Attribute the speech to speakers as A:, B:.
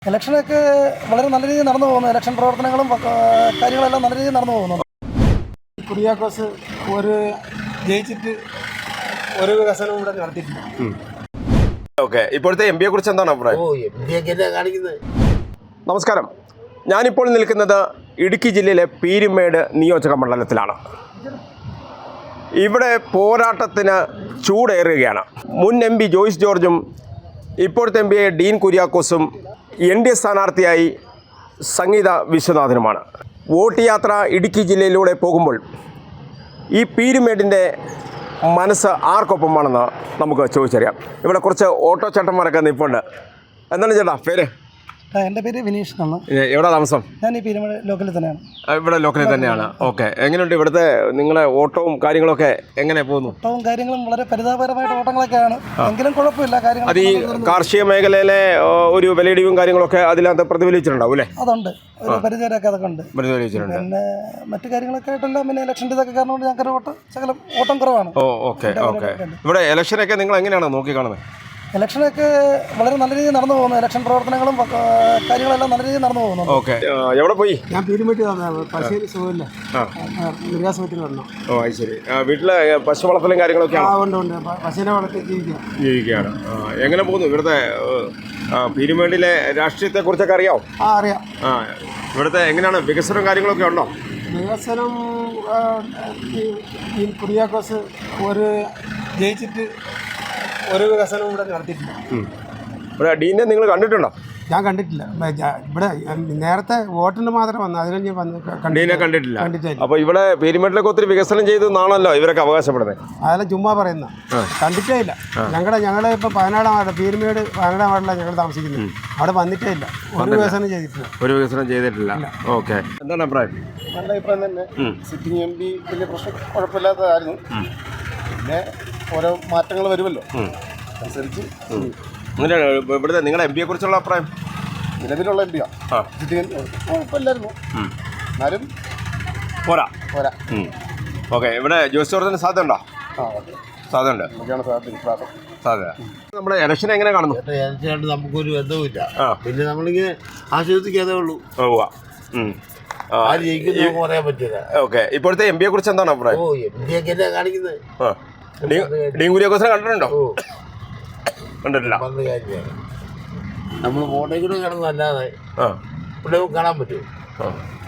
A: ഇലക്ഷനൊക്കെ വളരെ നല്ല രീതിയിൽ നടന്നു പോകുന്നു. ഇലക്ഷൻ പ്രവർത്തനങ്ങളും കാര്യങ്ങളെല്ലാം നല്ല രീതിയിൽ നടന്നു പോകുന്നു.
B: കുര്യാക്കോസ് ഒരു ജയിച്ചിട്ട് ഒരു വികസനവും ഇവിടെ നടത്തിയിട്ടില്ല.
C: ഓക്കെ, ഇപ്പോഴത്തെ എം പിയെ കുറിച്ച് എന്താണ് അഭിപ്രായം? നമസ്കാരം, ഞാനിപ്പോൾ നിൽക്കുന്നത് ഇടുക്കി ജില്ലയിലെ പീരുമേട് നിയോജക മണ്ഡലത്തിലാണ്. ഇവിടെ പോരാട്ടത്തിന് ചൂടേറുകയാണ്. മുൻ എം പി ജോയ്സ് ജോർജും ഇപ്പോഴത്തെ എം പി ഡീൻ കുര്യാക്കോസും NDA സ്ഥാനാർത്ഥിയായി സംഗീത വിശ്വനാഥനുമാണ്. വോട്ട് യാത്ര ഇടുക്കി ജില്ലയിലൂടെ പോകുമ്പോൾ ഈ പീരുമേടിൻ്റെ മനസ്സ് ആർക്കൊപ്പമാണെന്ന് നമുക്ക് ചോദിച്ചറിയാം. ഇവിടെ കുറച്ച് ഓട്ടോ ചേട്ടന്മാരൊക്കെ നിൽപ്പുണ്ട്. എന്താണ് ചേട്ടാ പേര്?
A: എൻ്റെ പേര് വിനീഷ് എന്നാണ്.
C: എവിടെ താമസം?
A: ഞാൻ ഈ പീരുമേട് ലോക്കലിൽ തന്നെയാണ്.
C: ഇവിടെ ലോക്കലിൽ തന്നെയാണ്. ഓക്കെ, എങ്ങനെയുണ്ട് ഇവിടുത്തെ നിങ്ങളെ ഓട്ടവും കാര്യങ്ങളൊക്കെ എങ്ങനെ പോകുന്നു?
A: ഓട്ടവും കാര്യങ്ങളും വളരെ പരിതാപകരമായിട്ട് ഓട്ടങ്ങളൊക്കെയാണ്, എങ്കിലും കുഴപ്പമില്ല. കാര്യങ്ങൾ
C: അത് ഈ കാർഷിക മേഖലയിലെ ഒരു വിലയിടിവും കാര്യങ്ങളൊക്കെ അതിനകത്ത് പ്രതിഫലിച്ചിട്ടുണ്ടാവും അല്ലേ?
A: അതുണ്ട്, ഒരു പരിധിവരെയൊക്കെ അതൊക്കെ ഉണ്ട്.
C: പ്രതിഫലിച്ചിട്ടുണ്ട്.
A: പിന്നെ മറ്റു കാര്യങ്ങളൊക്കെ ആയിട്ടെല്ലാം പിന്നെ ഇലക്ഷൻ്റെ ഇതൊക്കെ കാരണം കൊണ്ട് ഞങ്ങൾക്ക് ശകലം ഓട്ടം കുറവാണ്.
C: ഓക്കെ. ഇവിടെ ഇലക്ഷനൊക്കെ നിങ്ങൾ എങ്ങനെയാണ് നോക്കി കാണുന്നത്?
A: ഇലക്ഷനൊക്കെ വളരെ നല്ല രീതിയിൽ നടന്നു പോകുന്നു. ഇലക്ഷൻ പ്രവർത്തനങ്ങളും കാര്യങ്ങളെല്ലാം നല്ല രീതിയിൽ നടന്നു പോകുന്നു.
C: ഓക്കെ, എവിടെ പോയി?
B: ഞാൻ പീരുമേട്ടിൽ പശുവിന് സുഖമില്ല, മൃഗാസുപത്രി വരണം.
C: ഓ അത് ശരി. വീട്ടിലെ പശു വളർത്തലും കാര്യങ്ങളൊക്കെ
B: ഉണ്ട്. പശുവിനെ വളർത്തി
C: ജീവിക്കുകയാണ്. എങ്ങനെ പോകുന്നു ഇവിടുത്തെ പീരുമേടിലെ രാഷ്ട്രീയത്തെ കുറിച്ചൊക്കെ അറിയാമോ?
B: അറിയാം.
C: ഇവിടുത്തെ എങ്ങനെയാണ് വികസനം കാര്യങ്ങളൊക്കെ ഉണ്ടോ?
B: വികസനം ഈ കുര്യാക്കോസ് ഒരു ജയിച്ചിട്ട് ഒരു വികസനവും ഇവിടെ നടത്തിയിട്ടില്ല.
C: ഇവിടെ ഡീനെ നിങ്ങൾ കണ്ടിട്ടുണ്ടോ?
B: ഞാൻ കണ്ടിട്ടില്ല. ഇവിടെ നേരത്തെ വോട്ടിന് മാത്രം വന്നു, അതിന്
C: ഡീനെ കണ്ടിട്ടില്ല. അപ്പോൾ ഇവിടെ പീരുമേട്ടിലൊക്കെ ഒത്തിരി വികസനം ചെയ്തെന്നാണല്ലോ ഇവരൊക്കെ അവകാശപ്പെടുന്നത്.
B: അതെല്ലാം ചുമ്മാ പറയുന്ന, കണ്ടിട്ടേ ഇല്ല. ഞങ്ങളെ ഇപ്പോൾ 14-ാം വാർഡ്, പീരുമേട് 14-ാം വാർഡിലാണ് ഞങ്ങൾ താമസിക്കുന്നത്. അവിടെ വന്നിട്ടേ ഇല്ല, ഒരു വികസനം ചെയ്തിട്ടില്ല.
C: ഓക്കെ, എന്താണ് അഭിപ്രായം?
D: നല്ല അഭിപ്രായം തന്നെ. സിറ്റിംഗ് MP വലിയ പ്രശ്നം കുഴപ്പമില്ലാത്തതായിരുന്നു. പിന്നെ ഓരോ മാറ്റങ്ങൾ വരുമല്ലോ, അനുസരിച്ച്
C: ഇവിടുത്തെ നിങ്ങളുടെ MP യെ കുറിച്ചുള്ള അഭിപ്രായം?
D: നിലവിലുള്ള MP സിറ്റിംഗ് കുഴപ്പമില്ലായിരുന്നു, എന്നാലും
C: പോരാ. ഓക്കെ, ഇവിടെ ജോയ്സ് ജോർജിന് സാധ്യത ഉണ്ടോ? സാധ്യത. നമ്മുടെ ഇലക്ഷൻ എങ്ങനെ കാണുന്നു?
E: ഇലക്ഷനായിട്ട് നമുക്കൊരു ബന്ധവുമില്ല. പിന്നെ നമ്മളിങ്ങനെ ആശ്വസിക്കാതേ ഉള്ളൂ. ആര് ജയിക്കുന്നു പറയാൻ പറ്റില്ല.
C: ഓക്കെ, ഇപ്പോഴത്തെ MP യെ കുറിച്ച് എന്താണ് അഭിപ്രായം?
E: MP ഒക്കെ എന്നാ കാണിക്കുന്നത്?
C: ഡീൻ കുര്യാക്കോസിനെ കണ്ടിട്ടുണ്ടോ? കണ്ടിട്ടില്ല.
E: നമ്മൾ ഫോട്ടോയിൽ കൂടെ കിടന്നല്ലാതെ ഇവിടെ കാണാൻ പറ്റുമോ?